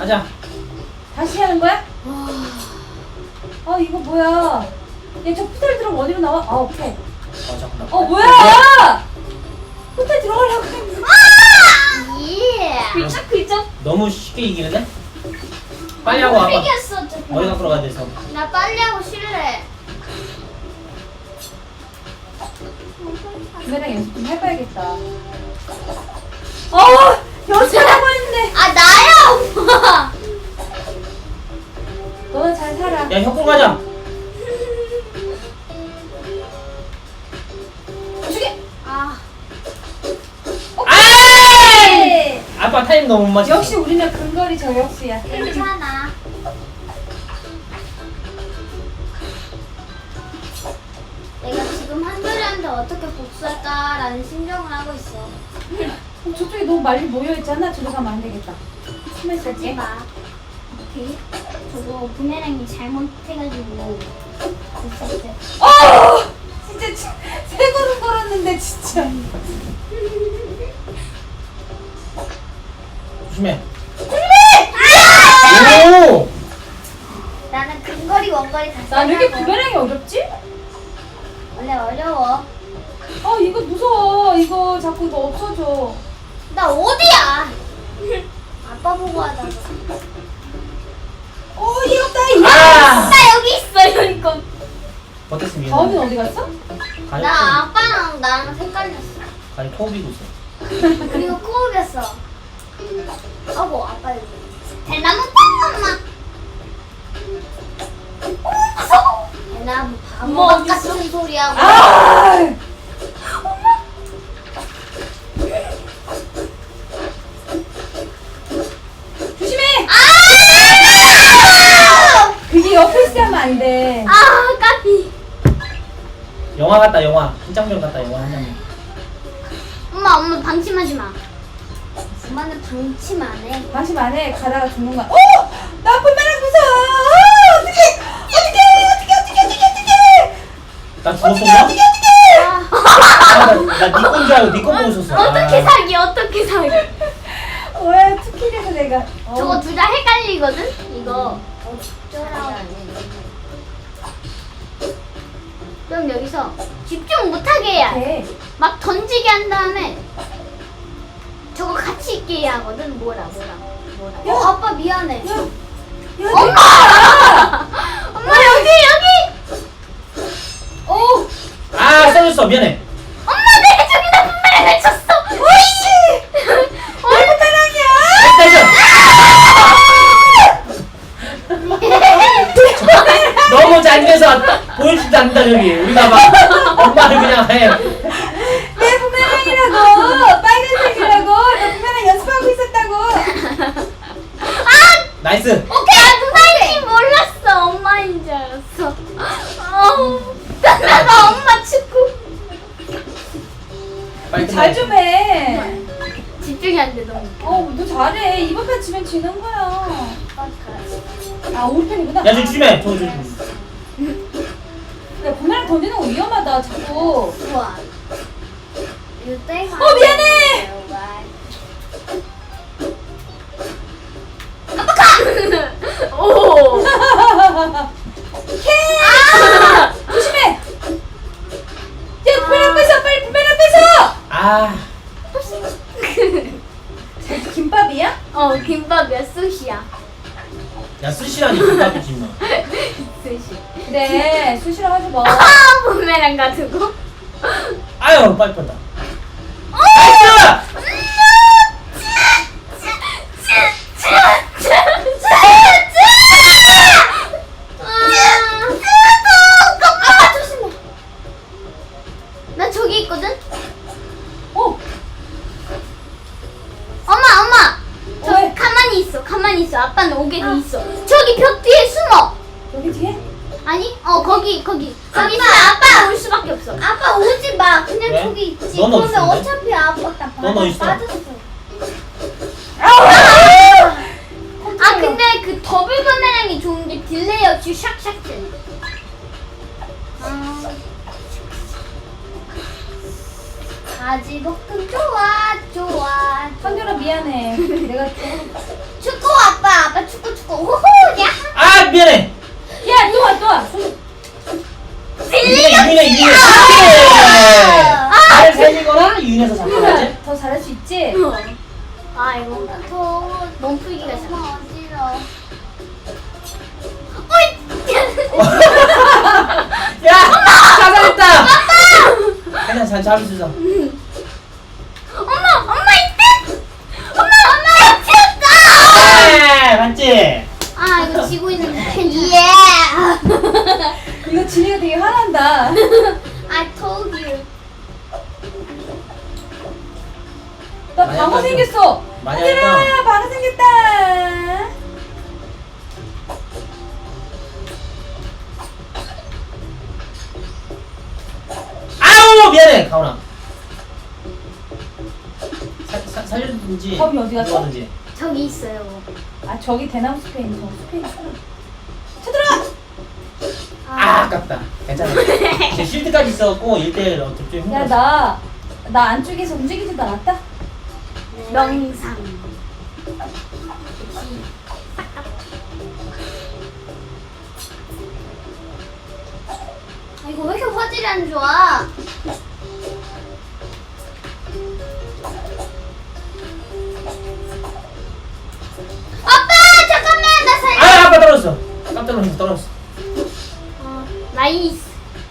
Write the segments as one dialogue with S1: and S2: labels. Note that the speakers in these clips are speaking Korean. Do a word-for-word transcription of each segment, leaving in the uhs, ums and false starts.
S1: 가자.
S2: 다시 하는 거야? 아 이거 뭐야? 얘저 호텔 들어가면 어디로 나와? 아 오케이.
S1: 어 잠깐만.
S2: 어 뭐야? 호텔 들어가려고 했는데.
S3: 예.
S2: 글쩍 글쩍.
S1: 너무 쉽게 이기는데? 빨리 하고 와봐.
S3: 이겼어.
S1: 머리 갖고 가야 돼서.
S3: 나 빨리 하고 실래.
S2: 부메랑 연습 좀 해봐야겠다. 어 연습하고 했는데.
S3: 아 나야 오빠.
S2: 너는 잘 살아.
S1: 야 협공 가자.
S2: 주게.
S3: 아.
S2: 오케이.
S1: 아빠 타임 너무 못 맞췄어.
S2: 역시 우리는 근거리 저격수야.
S3: 괜찮아. 내가 지금 한솔이한테 어떻게 복수할까라는 심정을 하고 있어.
S2: 어, 저쪽에 너무 많이 모여 있잖아. 저기 가면 안 되겠다. 숨어
S3: 하지
S2: 있을게.
S3: 마. 오케이. 저거 부메랑이 잘못해가지고 됐을 때.
S2: 어! 진짜 치- 세 걸음 걸었는데 진짜.
S1: 조심해.
S2: 아!
S1: 오!
S3: 나는 근거리 원거리 다
S2: 난 왜 이렇게
S3: 쓰려고.
S2: 부메랑이 어렵지?
S3: 원래 어려워.
S2: 아 이거 무서워. 이거 자꾸 이거 없어져.
S3: 나 어디야? 아빠 보고 하다가.
S2: 어 이겼다 이거.
S1: 아!
S3: 나 여기 있어 여기 거.
S1: 어땠습니까?
S2: 가은이 어디 갔어?
S1: 가위
S3: 나 아빠랑 나랑 헷갈렸어.
S1: 가위 토비고 있어.
S3: 그리고 코업이었어. 아고 아빠 여기. 대나무 빵 엄마. 오 무서워. 대나무 바보
S2: 엄마 어디
S3: 같은 소리하고.
S2: 아! 조심해.
S3: 아!
S2: 그게 옆에 있으면 안 돼.
S3: 아 까비.
S1: 영화 같다 영화. 한 장면 같다 영화 한 장면.
S3: 엄마 엄마 방심하지 마. 엄마는 방심 안 해.
S2: 방심 안 해. 가다가 죽는 거야. 어! 나 부메랑 무서워. 아, 어떡해. 어떡해. 어떡해. 어떡해. 어떡해. 어떡해.
S1: 나 죽었어
S2: 어떡해.
S1: 나?
S2: 어떡해. 어떡해.
S1: 나니 건 줄 알고 니건 보고 있었어.
S3: 어떻게
S1: 아.
S3: 사기 어떻게 사기.
S2: 왜 투킬해서 내가. 어.
S3: 저거 둘 다 헷갈리거든. 이거 어쩌라고. 그럼 여기서 집중 못하게 해야 돼.
S2: 돼.
S3: 막 던지게 한 다음에 저거 같이 있게 해야 하거든. 뭐라 뭐라 뭐라.
S2: 야.
S3: 어, 아빠 미안해.
S2: 야. 야.
S3: 엄마! 엄마 여기 여기.
S2: 어.
S1: 아 써졌어 미안해.
S3: 엄마 내가 저기다 분명히 쳤어.
S2: 오이씨. 내 부메랑이야.
S1: 너무 잘돼서 보여주지도 않는다 저기. 우리가 막 엄마를 그냥 해.
S2: 내 부메랑이라고. 빨간색이라고. 나 부메랑 연습하고 있었다고.
S1: 나이스.
S3: 오케이. 나 누나인지 몰랐어. 엄마인 줄 알았어. 어우, 나가 엄마 축구.
S1: 빨리
S2: 잘 좀 해.
S3: 집중이 안 돼 너무.
S2: 어, 너 잘해. 이번 판 지면 지는 거야. 아, 우리 편이구나.
S1: 야, 저 조심해. 저, 저, 저.
S2: 야, 부메랑 던지는 거 위험하다, 자꾸.
S3: 좋아.
S2: 어, 미안해!
S3: 오.
S2: 아! 조심해! 야, 부메랑 뺏어! 빨리 부메랑 뺏어!
S1: 아,
S2: 저 김밥이야?
S3: 어 김밥이야 수시야.
S1: 야, 스시라니, 김밥이지, 뭐.
S3: 수시.
S2: 그래, 수시로 하지 마.
S3: 아 부메랑 가지고.
S1: 아유, 빨리 뻔다.
S3: 어!
S1: 나이스!
S3: 나 저기 있거든?
S2: 어,
S3: 엄마 엄마 저
S2: 왜?
S3: 가만히 있어 가만히 있어 아빠는 오게 돼 있어 저기 벽 뒤에 숨어
S2: 여기 뒤에?
S3: 아니 어 거기 거기 거기 있으면 아빠 올 수밖에 없어 아빠 오지 마 그냥
S1: 왜?
S3: 저기 있지
S1: 넌 어디
S3: 그러면
S1: 있는데?
S3: 어차피 아빠
S1: 넌 어디 있어?
S3: 빠졌어
S2: 아!
S3: 아 근데 그 더블 카메라이 좋은 게 딜레이 없이 샥샥 돼. 아. 가지 볶음 좋아 좋아.
S2: 선율아 미안해. 내가 조금
S3: 축구 아빠 아빠 죽고 호호 야
S1: 아 미안해.
S2: 야, 또 와, 또 와.
S1: 유인해 유인해 유인해. 잘 살리거나 유인해서 잡고 가지.
S2: 유나, 더 잘할 수 있지?
S3: 아 이거 더 몸풀기가 참 어지러워.
S1: 야 찾아냈다. 그냥 잘 잡을 수 있어.
S3: 엄마 엄마 이때 엄마 엄마 미쳤다.
S1: 네 맞지?
S3: 아 이거 지고 있는데 예
S2: 이거 진이가 되게 화난다.
S3: I told you.
S2: 나
S1: 많이
S2: 방어
S1: 할까,
S2: 생겼어.
S1: 많이
S2: 얘들아,
S1: 할까?
S2: 방어 생겼다.
S1: 아우 미안해 가오나. 살- 살- 살려든지
S2: 범이 어디 갔어?
S1: 누워든지.
S3: 저기 있어요.
S2: 아, 저기 대나무 숲에 있는 저 숲에 있어. 쳐들어!
S1: 아 아깝다. 괜찮아. 제 쉴드까지 있어갖고 일 대일 어떻게 좀
S2: 야,
S1: 힘들었어.
S2: 나, 나 안쪽에서 움직이지도 않았다?
S3: 명상. 아, 이거 왜 이렇게 화질이 안 좋아? 아빠 잠깐만 나 살려.
S1: 아 아빠 떨어졌어. 깜짝 놀랐어 떨어졌어.
S3: 어, 나이스.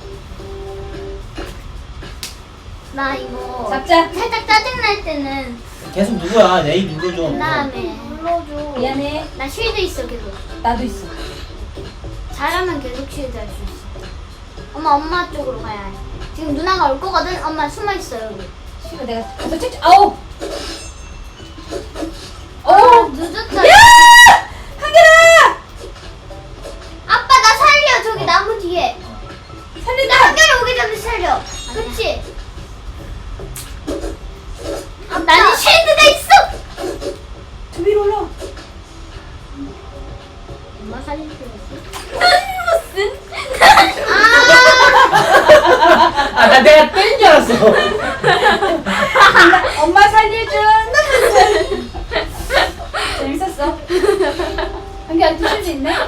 S3: 나 이거
S2: 잡자.
S3: 살짝 짜증 날 때는
S1: 계속 누구야? 내 입 눌러줘.
S3: 그 다음에 눌러줘.
S2: 미안해.
S3: 나 쉴드 있어 계속.
S2: 나도 있어.
S3: 잘하면 계속 쉴드 할 수 있어. 엄마 엄마 쪽으로 가야 해. 지금 누나가 올 거거든. 엄마 숨어 있어 여기.
S2: 싫어, 내가 가서 찍 아우!
S3: 어
S2: 어!
S3: 늦었다.
S2: 야! 한결아!
S3: 아빠 나 살려 저기 나무 뒤에. 나
S2: 살린다!
S3: 한결 오기 전에 살려. 그렇지. 아, 나는 쉴드가 있어.
S2: 저 위로 올라.
S3: 엄마 살릴 수 있어? 무슨? 아.
S1: 아나 내가 뺀 줄 알았어.
S2: 엄마 살려줘. 재밌었어. 한결 드실 수 있네?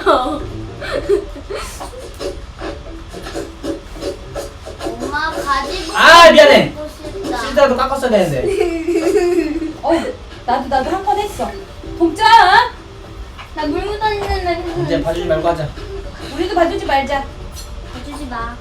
S3: 엄마 가지고.
S1: 아, 미안해.
S3: 먹고 싶다.
S1: 쉴드라도 깎았어야 되는데.
S2: 어, 나도 나도 한 번 했어. 동점.
S3: 나물 묻어있는
S1: 이제
S3: 데.
S1: 봐주지 말고 하자.
S2: 우리도 봐주지 말자.
S3: 봐주지 마.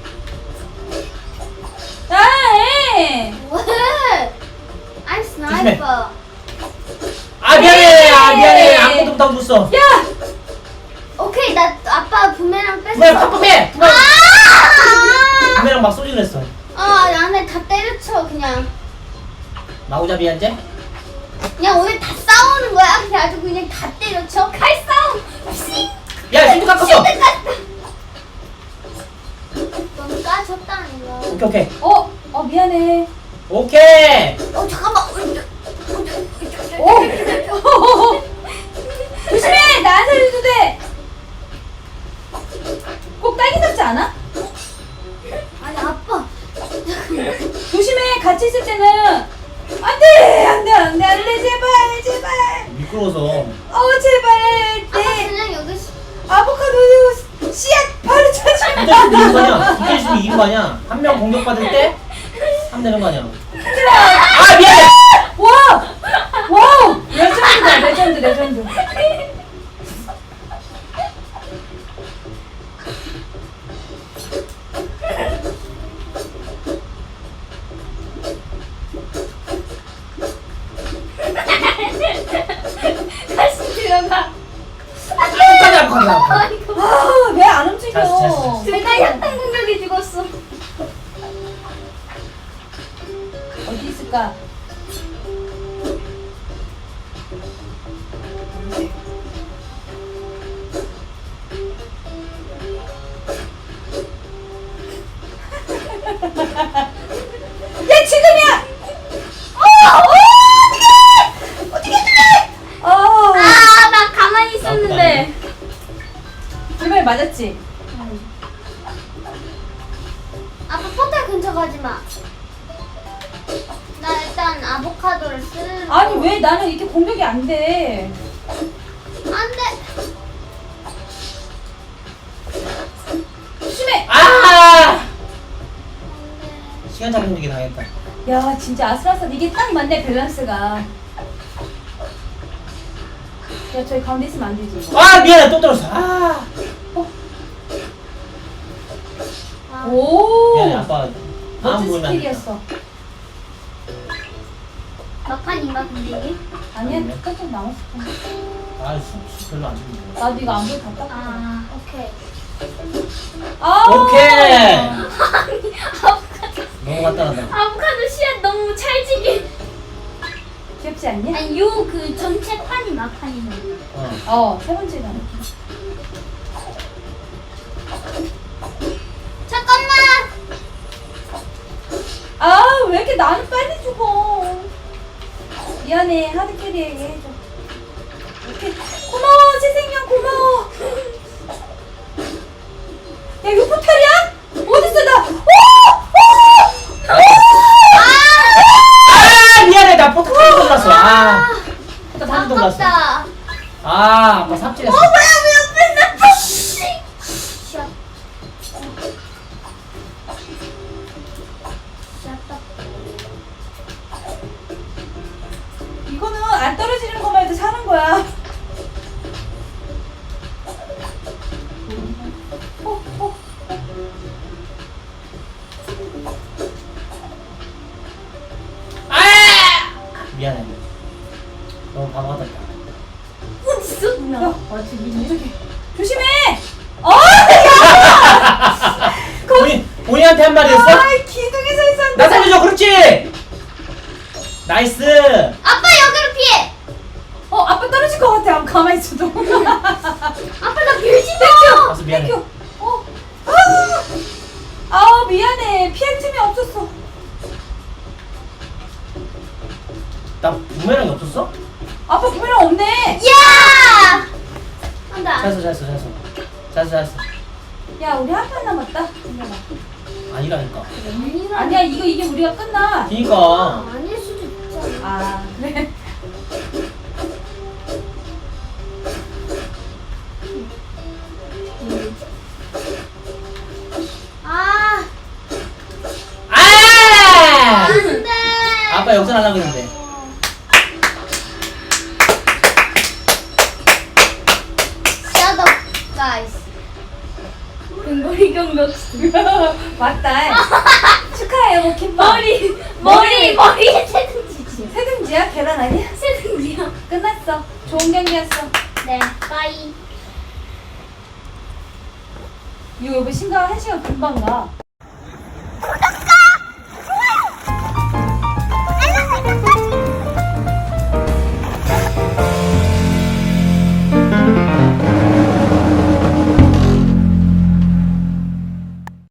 S2: 아, 에.
S3: 왜? I'm sniper.
S1: 아 미안해. 아 미안해. 아무것도 못하고 줬어.
S2: 야!
S3: 오케이 나 아빠 부메랑 뺐어.
S1: 부메랑 팍팍해. 부메랑
S3: 아!
S1: 부메랑 막 쏘지 그랬어.
S3: 아 나는 다 때려쳐 그냥.
S1: 마구잡이 한제?
S3: 그냥 오늘 다 싸우는 거야. 그냥 아주 그냥 다 때려쳐. 칼싸움. 씩.
S1: 야 쉴드 깎았어.
S3: 쉴드 깠다. 넌 까졌다는 거.
S1: 오케이 오케이.
S2: 어, 어 미안해.
S1: 오케이.
S3: 어 잠깐만.
S2: 오. 조심해. 나 안 살려도 돼. 꼭 딸기 같지 않아?
S3: 아니 아빠.
S2: 조심해. 같이 있을 때는 안돼, 안돼, 안돼, 안돼, 제발, 제발.
S1: 미끄러워서.
S2: 어, 제발.
S3: 아빠
S2: 내
S3: 그냥 여기. 시-
S2: 아보카도 씨앗 바로 쳐주면
S1: 붙어 있으면 이긴 거 아니야? 붙어 있으면 이긴 거 아니야? 한 명 공격받을 때 하면 되는 거 아니야? 아 미안해.
S2: 와! 와우! 레전드다, 레전드, 레전드.
S3: 다시 들어가.
S1: 끝까지 안 가나?
S3: 아이고.
S2: 아, 왜 안 움직여?
S1: 됐어, 됐어.
S3: 둘 다 약간 공격이 죽었어.
S2: 어디 있을까? 야, 지금이야! 어! 어! 어떡해! 어떡해, 어떡해! 어.
S3: 아, 나 가만히 있었는데.
S2: 불발 맞았지?
S3: 아빠 포탈 근처 가지 마. 나 일단 아보카도를 쓰는.
S2: 아니, 왜 나는 이렇게 공격이 안 돼?
S3: 안돼.
S2: 조심해.
S1: 아! 시간 잡는 게 당했다.
S2: 야 진짜 아슬아슬 이게 딱 맞네 밸런스가. 야 저기 가운데 있으면 안 되지 이거.
S1: 아 미안해 또 떨어졌어. 아
S3: 아,
S2: 오.
S1: 미안해 아빠. 다음
S2: 멋진
S1: 보면 안 된다.
S2: 스킬이었어.
S3: 막판인가 근데 이게?
S2: 아니야
S1: 네.
S2: 조금 남았어.
S1: 아 수, 수 별로 안 좋은데.
S2: 나도 이거 안 보고 다 땄어.
S3: 아 오케이.
S2: 아.
S1: 오케이.
S3: 아보카도
S1: 너무 간단하다.
S3: 아보카도 씨앗 너무 찰지게.
S2: 귀엽지 않니?
S3: 아니 요 그 전체 판이 막판이네.
S1: 어.
S2: 어, 세 번째가.
S3: 잠깐만.
S2: 아, 왜 이렇게 나는 빨리 죽어? 미안해, 하드캐리에게 해줘. 이렇게 고마워, 재생형 고마워. 야, 이거 포탈이야? 어딨어, 나? 오! 오!
S1: 아 미안해 나 포탑 한 돌렸어. 아. 포탑 한 돌렸어.
S3: 아깝다.
S1: 아 아빠 삽질했어.
S3: 뭐야 왜 옆에 나? 씨앗. 씨앗다.
S2: 이거는 안 떨어지는 것만 해도 사는 거야. 어, 어.
S1: 아 미안해. 너무 바보 같았다.
S3: 어딨어
S2: 야,
S3: 누나?
S2: 아, 지금 이렇게. 조심해! 어!
S1: 본인 본인한테 한 말이었어?
S2: 아, 기둥에 서 있었는데.
S1: 나 살려줘 그렇지. 나이스.
S3: 아빠 여기로 피해.
S2: 어, 아빠 떨어질 것 같아. 아무 가만히 있어도.
S3: 아빠 나 빌지 마.
S1: 가서 미안해.
S2: 땡큐. 어. 아! 아우, 미안해. 피할 틈이 없었어.
S1: 나 부메랑이 없었어?
S2: 아빠 부메랑 없네.
S3: 야! 한다.
S1: 잘했어 잘했어 잘했어 잘했어 잘했어.
S2: 야, 우리 한 판 남았다. 잠깐만.
S1: 아니라니까.
S2: 아니야, 이거 이게 우리가 끝나.
S1: 그니까.
S3: 아닐 수도 있잖아.
S2: 아, 그래.
S3: 아,
S1: 아!
S3: 안돼.
S1: 아빠 역전하려고 했는데.
S3: Shut up, guys. 근거리 경력.
S2: 맞다. 축하해요, 뭐 김밥.
S3: 머리, 머리, 머리에 세등지지.
S2: 세등지야? 계란 아니야?
S3: 세등지야.
S2: 끝났어. 좋은 경기였어.
S3: 네, 빠이.
S2: 이거 여보 심각 한 시간 금방 가.